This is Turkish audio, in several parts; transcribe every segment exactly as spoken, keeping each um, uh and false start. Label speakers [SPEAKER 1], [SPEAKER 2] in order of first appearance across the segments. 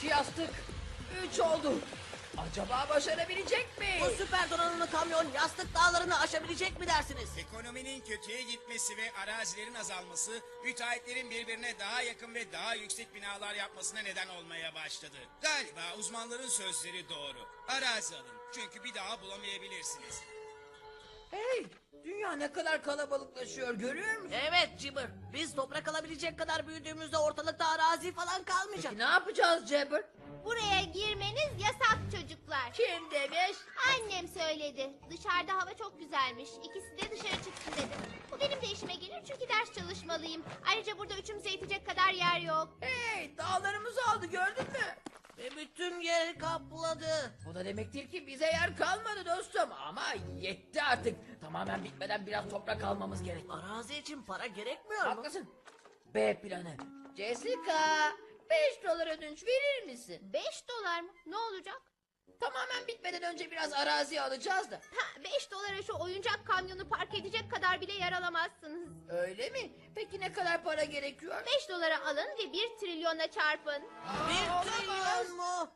[SPEAKER 1] İki yastık. Üç oldu. Acaba başarabilecek mi?
[SPEAKER 2] Bu süper donanımlı kamyon yastık dağlarını aşabilecek mi dersiniz?
[SPEAKER 3] Ekonominin kötüye gitmesi ve arazilerin azalması, müteahhitlerin birbirine daha yakın ve daha yüksek binalar yapmasına neden olmaya başladı. Galiba uzmanların sözleri doğru. Arazi alın çünkü bir daha bulamayabilirsiniz.
[SPEAKER 1] Hey, dünya ne kadar kalabalıklaşıyor görüyor musun?
[SPEAKER 2] Evet Cibber. Biz toprak alabilecek kadar büyüdüğümüzde ortalıkta arazi falan kalmayacak.
[SPEAKER 1] Peki ne yapacağız Jabber?
[SPEAKER 4] Buraya girmeniz yasak çocuklar.
[SPEAKER 1] Kim demiş?
[SPEAKER 4] Annem söyledi. Dışarıda hava çok güzelmiş. İkisi de dışarı çıksın dedi. Bu benim de işime gelir çünkü ders çalışmalıyım. Ayrıca burada üçümüze yetecek kadar yer yok.
[SPEAKER 1] Hey, dağlarımızı aldı gördün mü?
[SPEAKER 2] Ve bütün yeri kapladı.
[SPEAKER 1] Bu da demek değil ki bize yer kalmadı dostum. Ama yetti artık. Tamamen bitmeden biraz toprak almamız gerek.
[SPEAKER 2] Arazi için para gerekmiyor mu?
[SPEAKER 1] Haklısın. B planı. Jessica, beş dolar ödünç verir misin?
[SPEAKER 4] Beş dolar mı? Ne olacak?
[SPEAKER 1] Tamamen bitmeden önce biraz arazi alacağız da.
[SPEAKER 4] Ha, beş dolara şu oyuncak kamyonu park edecek kadar bile yer alamazsınız.
[SPEAKER 1] Öyle mi? Peki ne kadar para gerekiyor?
[SPEAKER 4] Beş dolara alın ve bir trilyona çarpın.
[SPEAKER 2] Bir
[SPEAKER 1] Aa,
[SPEAKER 2] trilyon mu?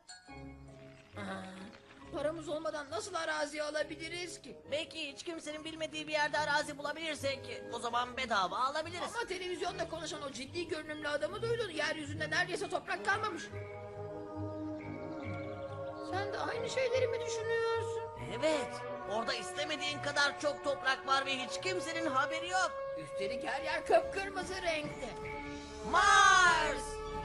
[SPEAKER 1] Aa, paramız olmadan nasıl arazi alabiliriz ki?
[SPEAKER 2] Belki hiç kimsenin bilmediği bir yerde arazi bulabilirsek o zaman bedava alabiliriz.
[SPEAKER 1] Ama televizyonda konuşan o ciddi görünümlü adamı duydun. Yeryüzünde neredeyse toprak kalmamış. Sen de aynı şeyleri mi düşünüyorsun?
[SPEAKER 2] Evet. Orada istemediğin kadar çok toprak var ve hiç kimsenin haberi yok.
[SPEAKER 1] Üstelik her yer kıpkırmızı renkte.
[SPEAKER 2] Mars!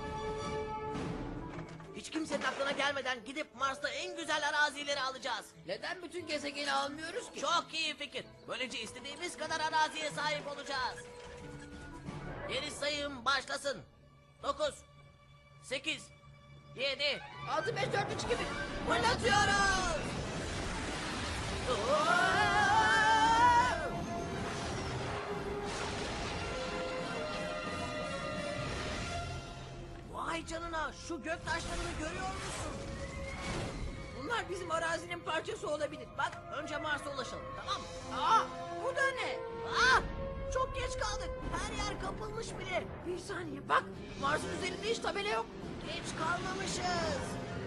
[SPEAKER 2] Hiç kimsenin aklına gelmeden gidip Mars'ta en güzel arazileri alacağız.
[SPEAKER 1] Neden bütün gezegeni almıyoruz ki?
[SPEAKER 2] Çok iyi fikir. Böylece istediğimiz kadar araziye sahip olacağız. Geri sayım başlasın. Dokuz, sekiz, yedi.
[SPEAKER 1] Altı, beş, dört, üç gibi.
[SPEAKER 2] Fırlatıyoruz. Vay canına, şu gök taşlarını görüyor musun?
[SPEAKER 1] Bunlar bizim arazinin parçası olabilir.
[SPEAKER 2] Bak önce Mars'a ulaşalım, tamam mı?
[SPEAKER 1] Aa, bu da ne?
[SPEAKER 2] Aa, çok geç kaldık. Her yer kapılmış bile.
[SPEAKER 1] Bir saniye bak. Mars'ın üzerinde hiç tabela yok.
[SPEAKER 2] Geç kalmamışız.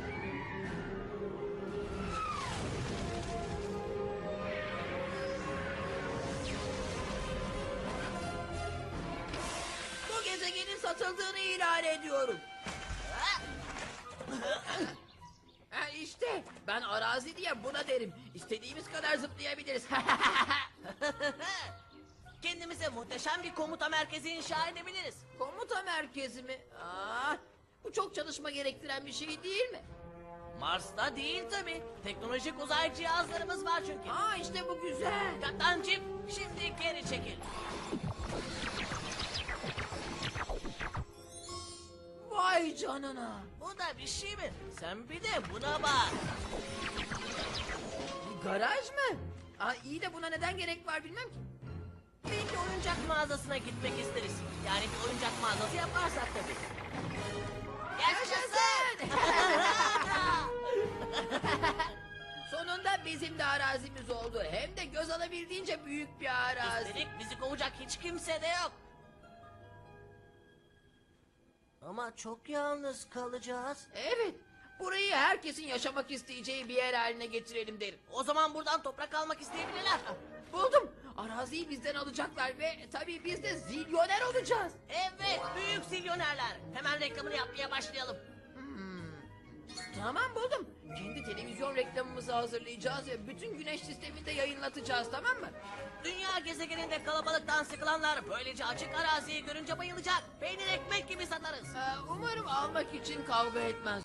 [SPEAKER 1] Bu gezegenin satıldığını ilan ediyorum. Ha işte ben arazi diye buna derim. İstediğimiz kadar zıplayabiliriz.
[SPEAKER 2] Kendimize muhteşem bir komuta merkezi inşa edebiliriz.
[SPEAKER 1] Komuta merkezi mi? Aa, bu çok çalışma gerektiren bir şey değil mi?
[SPEAKER 2] Mars'ta değil tabii. Teknolojik uzay cihazlarımız var çünkü.
[SPEAKER 1] Aa işte bu güzel.
[SPEAKER 2] Kaptancım şimdi geri çekil.
[SPEAKER 1] Vay canına.
[SPEAKER 2] Bu da bir şey mi? Sen bir de buna bak.
[SPEAKER 1] Bir garaj mı? Aa, iyi de buna neden gerek var bilmem ki.
[SPEAKER 2] Belki oyuncak mağazasına gitmek isteriz. Yani bir oyuncak mağazası yaparsak tabii.
[SPEAKER 1] Yaşasın! Sonunda bizim de arazimiz oldu. Hem de göz alabildiğince büyük bir arazi.
[SPEAKER 2] Üstelik bizi kovacak hiç kimse de yok. Ama çok yalnız kalacağız.
[SPEAKER 1] Evet. Burayı herkesin yaşamak isteyeceği bir yer haline getirelim derim.
[SPEAKER 2] O zaman buradan toprak almak isteyebilirler.
[SPEAKER 1] Buldum. Araziyi bizden alacaklar ve tabii biz de zilyoner olacağız.
[SPEAKER 2] Evet, büyük zilyonerler. Hemen reklamını yapmaya başlayalım.
[SPEAKER 1] Tamam buldum. Kendi televizyon reklamımızı hazırlayacağız ve bütün güneş sisteminde yayınlatacağız, tamam mı?
[SPEAKER 2] Dünya gezegeninde kalabalıktan sıkılanlar böylece açık araziyi görünce bayılacak. Peynir ekmek gibi satarız.
[SPEAKER 1] Ee, umarım almak için kavga etmez.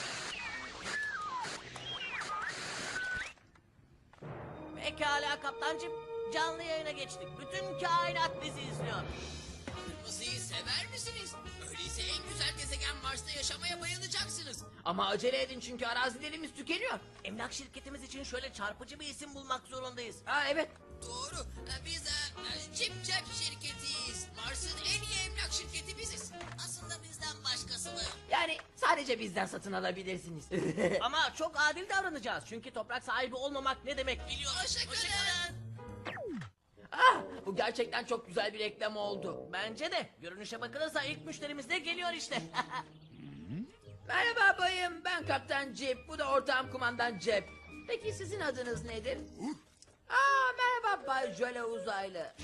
[SPEAKER 2] Pekala kaptancım. Canlı yayına geçtik. Bütün kainat bizi izliyor.
[SPEAKER 1] Kırmızıyı sever misiniz? Öyleyse en güzel gezegen Mars'ta yaşamaya bayılacaksınız. Ama acele edin çünkü arazilerimiz tükeniyor.
[SPEAKER 2] Emlak şirketimiz için şöyle çarpıcı bir isim bulmak zorundayız.
[SPEAKER 1] Ha evet. Doğru. Biz e, Cip Cep şirketiyiz. Mars'ın en iyi emlak şirketi biziz.
[SPEAKER 2] Aslında bizden başkası mı?
[SPEAKER 1] Yani sadece bizden satın alabilirsiniz.
[SPEAKER 2] Ama çok adil davranacağız. Çünkü toprak sahibi olmamak ne demek biliyoruz.
[SPEAKER 1] Hoşçakalın. Ah, bu gerçekten çok güzel bir reklam oldu.
[SPEAKER 2] Bence de. Görünüşe bakılırsa ilk müşterimiz de geliyor işte.
[SPEAKER 1] Merhaba bayım, ben Kaptan Cip, bu da ortağım kumandan Cep. Peki sizin adınız nedir? Aa, merhaba Bay Jöle Uzaylı.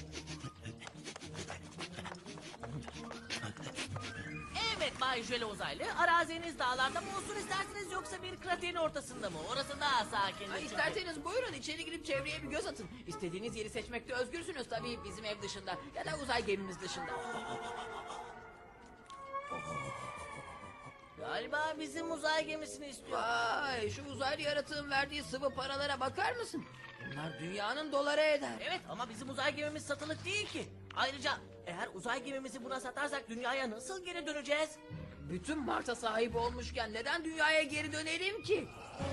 [SPEAKER 2] Evet Bay Jöle Uzaylı, araziniz dağlarda mı olsun isterseniz yoksa bir kraterin ortasında mı? Orası daha sakin.
[SPEAKER 1] Ha, isterseniz buyurun içeri girip çevreye bir göz atın. İstediğiniz yeri seçmekte özgürsünüz tabii, bizim ev dışında ya da uzay gemimiz dışında.
[SPEAKER 2] Galiba bizim uzay gemisini istiyor.
[SPEAKER 1] Vay, şu uzaylı yaratığın verdiği sıvı paralara bakar mısın? Bunlar dünyanın doları eder.
[SPEAKER 2] Evet ama bizim uzay gemimiz satılık değil ki. Ayrıca eğer uzay gemimizi buna satarsak dünyaya nasıl geri döneceğiz?
[SPEAKER 1] Bütün Mars'a sahip olmuşken neden dünyaya geri dönelim ki?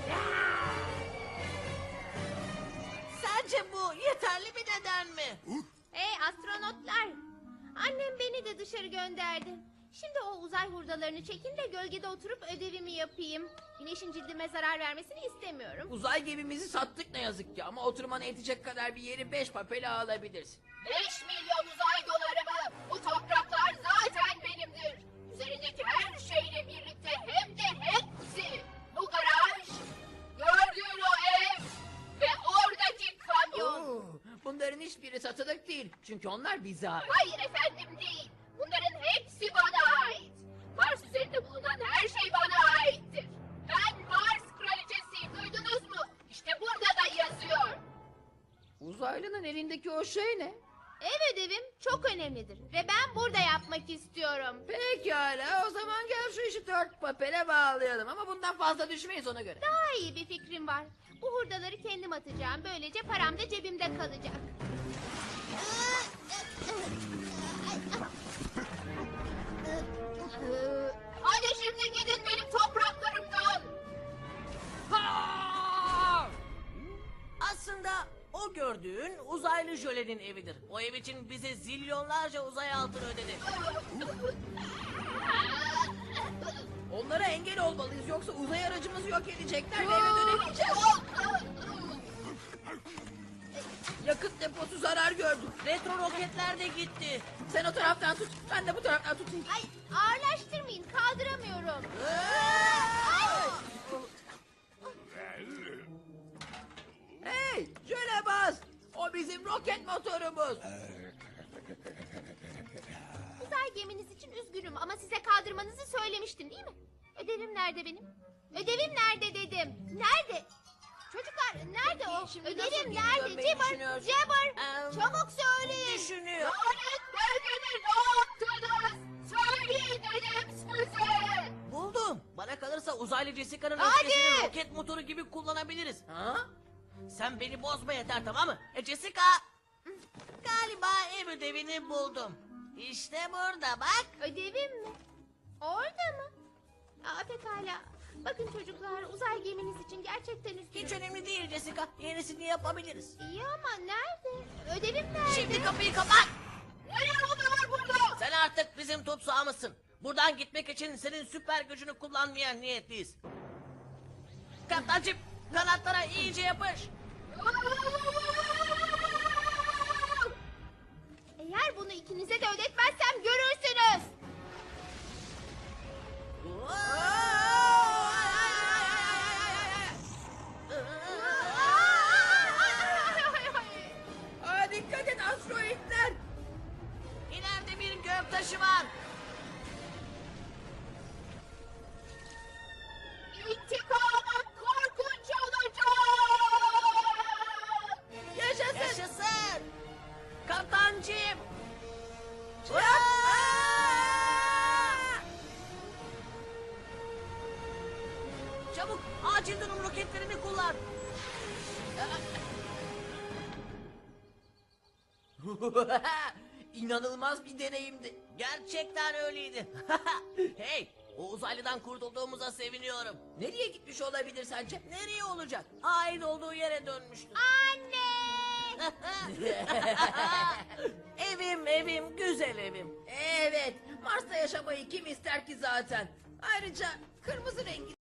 [SPEAKER 2] Sence bu yeterli bir neden mi?
[SPEAKER 4] Hey astronotlar. Annem beni de dışarı gönderdi. Şimdi o uzay hurdalarını çekin de gölgede oturup ödevimi yapayım. Güneşin cildime zarar vermesini istemiyorum.
[SPEAKER 1] Uzay gemimizi sattık ne yazık ki ama oturmana yetecek kadar bir yeri beş papele alabilirsin.
[SPEAKER 5] Beş milyon uzay doları mı? Bu topraklar zaten benimdir. Üzerindeki her şeyle birlikte hem de hepsi. Bu garaj, gördüğün o ev ve oradaki kamyon.
[SPEAKER 1] Oo, bunların hiçbiri satılık değil çünkü onlar bize ait.
[SPEAKER 5] Hayır efendim değil. Bunların hepsi bana ait. Mars üzerinde bulunan her şey bana aittir. Ben Mars kraliçesiyim, duydunuz mu? İşte burada da yazıyor.
[SPEAKER 1] Uzaylının elindeki o şey ne?
[SPEAKER 4] Ev ödevim çok önemlidir ve ben burada yapmak istiyorum.
[SPEAKER 1] Pekala, o zaman gel şu işi dört papele bağlayalım ama bundan fazla düşmeyiz ona göre.
[SPEAKER 4] Daha iyi bir fikrim var. Bu hurdaları kendim atacağım. Böylece param da cebimde kalacak.
[SPEAKER 5] Hadi şimdi gidin benim topraklarımdan.
[SPEAKER 1] Ha!
[SPEAKER 2] Aslında o gördüğün uzaylı jölenin evidir. O ev için bize zilyonlarca uzay altını ödedi.
[SPEAKER 1] Onlara engel olmalıyız yoksa uzay aracımızı yok edecekler ve eve dönemeyeceğiz. Yakıt deposu zarar gördü.
[SPEAKER 2] Retro roketler de gitti.
[SPEAKER 1] Sen o taraftan tut, ben de bu taraftan tutayım.
[SPEAKER 4] Ay ağırlaştırmayın kaldıramıyorum.
[SPEAKER 1] Hey, jöle bas. O bizim roket motorumuz.
[SPEAKER 4] Uzay geminiz için üzgünüm ama size kaldırmanızı söylemiştim değil mi? Ödevim nerede benim? Ödevim nerede dedim. Nerede? Çocuklar nerede o?
[SPEAKER 1] Şimdi nasıl
[SPEAKER 4] Ödevim
[SPEAKER 1] geri
[SPEAKER 4] nerede?
[SPEAKER 1] dönmeyi
[SPEAKER 4] Cibber,
[SPEAKER 1] düşünüyorsun?
[SPEAKER 4] Cibber.
[SPEAKER 2] Em,
[SPEAKER 4] Çabuk söyleyin.
[SPEAKER 2] Düşünüyor.
[SPEAKER 5] Lanet belgeni ne yaptınız? Söyleyin dedim size.
[SPEAKER 2] Buldum. Bana kalırsa uzaylı Jessica'nın
[SPEAKER 4] Hadi!
[SPEAKER 2] öfkesini roket motoru gibi kullanabiliriz.
[SPEAKER 1] Ha?
[SPEAKER 2] Sen beni bozma yeter tamam mı? E Jessica. Galiba ev ödevini buldum. İşte burada bak.
[SPEAKER 4] Ödevim mi? Orada mı? Aa, pekala. Bakın çocuklar uzay geminiz için gerçekten üzgünüm.
[SPEAKER 2] Hiç önemli değil Jessica. Yenisini yapabiliriz.
[SPEAKER 4] İyi ama nerede? Ödevim nerede?
[SPEAKER 2] Şimdi kapıyı kapat.
[SPEAKER 5] Neler oluyor burada?
[SPEAKER 2] Sen artık bizim tutsağımızsın. Buradan gitmek için senin süper gücünü kullanmaya niyetliyiz. Kaptancım kanatlara iyice yapış.
[SPEAKER 4] Eğer bunu ikinize de ödetmezsem görürsünüz.
[SPEAKER 1] Aa, dikkat et asteroidler.
[SPEAKER 2] İleride bir göktaşı var.
[SPEAKER 5] İntikamım korkunç olacak.
[SPEAKER 1] Yaşasın.
[SPEAKER 2] Yaşasın. Kaptancım. Çabuk acil durum roketlerini kullan.
[SPEAKER 1] İnanılmaz bir deneyimdi.
[SPEAKER 2] Gerçekten öyleydi. Hey, o uzaylıdan kurtulduğumuza seviniyorum.
[SPEAKER 1] Nereye gitmiş olabilir sence?
[SPEAKER 2] Nereye olacak? Ait olduğu yere dönmüştür.
[SPEAKER 4] Anne!
[SPEAKER 2] Evim, evim, güzel evim.
[SPEAKER 1] Evet, Mars'ta yaşamayı kim ister ki zaten? Ayrıca kırmızı rengi